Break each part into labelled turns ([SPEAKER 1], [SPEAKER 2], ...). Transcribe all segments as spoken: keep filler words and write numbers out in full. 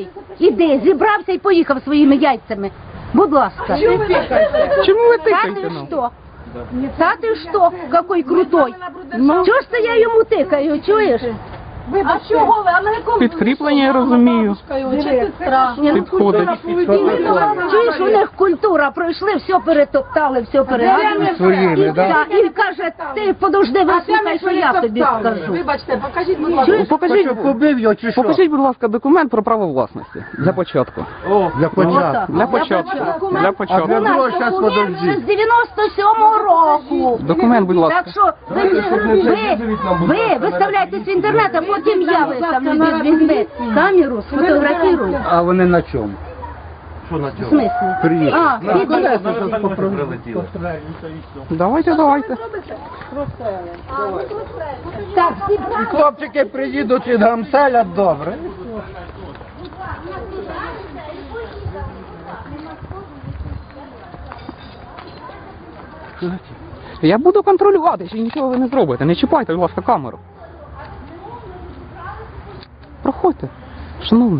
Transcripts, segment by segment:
[SPEAKER 1] Робочий, іди, зібрався і поїхав своїми яйцями. Будь ласка.
[SPEAKER 2] Чому ви
[SPEAKER 1] Та
[SPEAKER 2] тикаєте
[SPEAKER 1] ти
[SPEAKER 2] нам?
[SPEAKER 1] що? Та ти що? Какой крутой.
[SPEAKER 2] Ну.
[SPEAKER 1] Чого ж це я йому тикаю, чуєш?
[SPEAKER 3] А чого ви? А на якому?
[SPEAKER 2] Підкріплення, я розумію.
[SPEAKER 3] Чи тут страшно?
[SPEAKER 1] Ні, ну,
[SPEAKER 2] Підходить.
[SPEAKER 1] Чуєш, у них культура, пройшли, все перетоптали, все перегадали.
[SPEAKER 4] Своїми, да?
[SPEAKER 1] І каже, ти подожди, вислухай, що я тобі скажу.
[SPEAKER 3] Вибачте, покажіть, будь ласка.
[SPEAKER 2] Покажіть,
[SPEAKER 4] Що, побив його чи що?
[SPEAKER 2] покажіть, будь ласка, документ про право власності. Для початку.
[SPEAKER 4] Для початку.
[SPEAKER 2] Для початку. Для
[SPEAKER 4] А
[SPEAKER 2] початку.
[SPEAKER 4] для
[SPEAKER 1] У нас
[SPEAKER 4] другого щас
[SPEAKER 1] документ
[SPEAKER 4] подожди.
[SPEAKER 1] вже з дев'яносто сьомого року.
[SPEAKER 2] Документ, будь ласка.
[SPEAKER 1] Так що ви, ви, ви виставляєтесь в інтернет, а потім я виставлю, візьми камеру, сфотографірую.
[SPEAKER 4] А вони на чому?
[SPEAKER 1] В смислі?
[SPEAKER 4] Приїхали.
[SPEAKER 1] А, піде.
[SPEAKER 2] Давайте, давайте.
[SPEAKER 1] Так, всі
[SPEAKER 4] І хлопчики приїдуть і гамселять добре.
[SPEAKER 2] Я буду контролювати, чи нічого ви не зробите. Не чіпайте, будь ласка, камеру. Проходьте, шановний.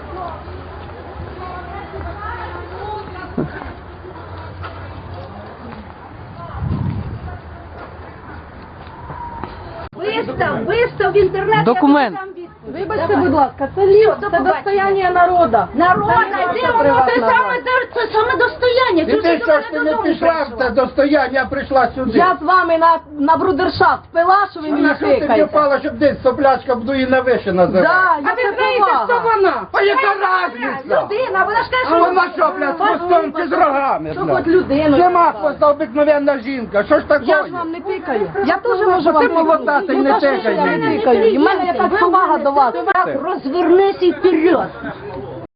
[SPEAKER 1] вистав, вистав в інтернет.
[SPEAKER 2] Документ.
[SPEAKER 1] я тобі дам відповідь.
[SPEAKER 3] Вибачте, будь ласка, це ліс,
[SPEAKER 1] До
[SPEAKER 3] це
[SPEAKER 1] побачення.
[SPEAKER 3] достояння народу.
[SPEAKER 1] Народа,
[SPEAKER 3] Це
[SPEAKER 1] де
[SPEAKER 3] наша
[SPEAKER 1] воно, це
[SPEAKER 3] приватна
[SPEAKER 1] саме, це саме достояння.
[SPEAKER 4] І
[SPEAKER 1] Чого
[SPEAKER 4] ти
[SPEAKER 1] до
[SPEAKER 4] що
[SPEAKER 1] мене
[SPEAKER 4] ж ти не
[SPEAKER 1] додому
[SPEAKER 4] пішла в
[SPEAKER 1] прийшла?
[SPEAKER 4] це достояння, прийшла сюди?
[SPEAKER 3] Я з вами на, на брудершафт пила, що ви мені
[SPEAKER 4] На що ти
[SPEAKER 3] тикаєте.
[SPEAKER 4] впала, щоб десь соплячка буду і на виші називати?
[SPEAKER 3] Да, я це повага.
[SPEAKER 4] вона? А яка разниця?
[SPEAKER 1] Людина, вона ж каже,
[SPEAKER 4] А
[SPEAKER 1] що
[SPEAKER 4] вона що, блядь, з хвостом чи з рогами,
[SPEAKER 3] Що
[SPEAKER 4] блядь?
[SPEAKER 3] хоч людину.
[SPEAKER 4] Нема хвоста, обикновенна жінка, що ж таке?
[SPEAKER 3] Я ж вам не тикаю. Я теж можу вам
[SPEAKER 4] Ти молода, ти
[SPEAKER 3] Ну,
[SPEAKER 4] не
[SPEAKER 3] та що ж
[SPEAKER 4] тикай
[SPEAKER 3] я не
[SPEAKER 4] мені.
[SPEAKER 3] тикаю. І в мене якась повага до вас.
[SPEAKER 1] розвернись і вперед.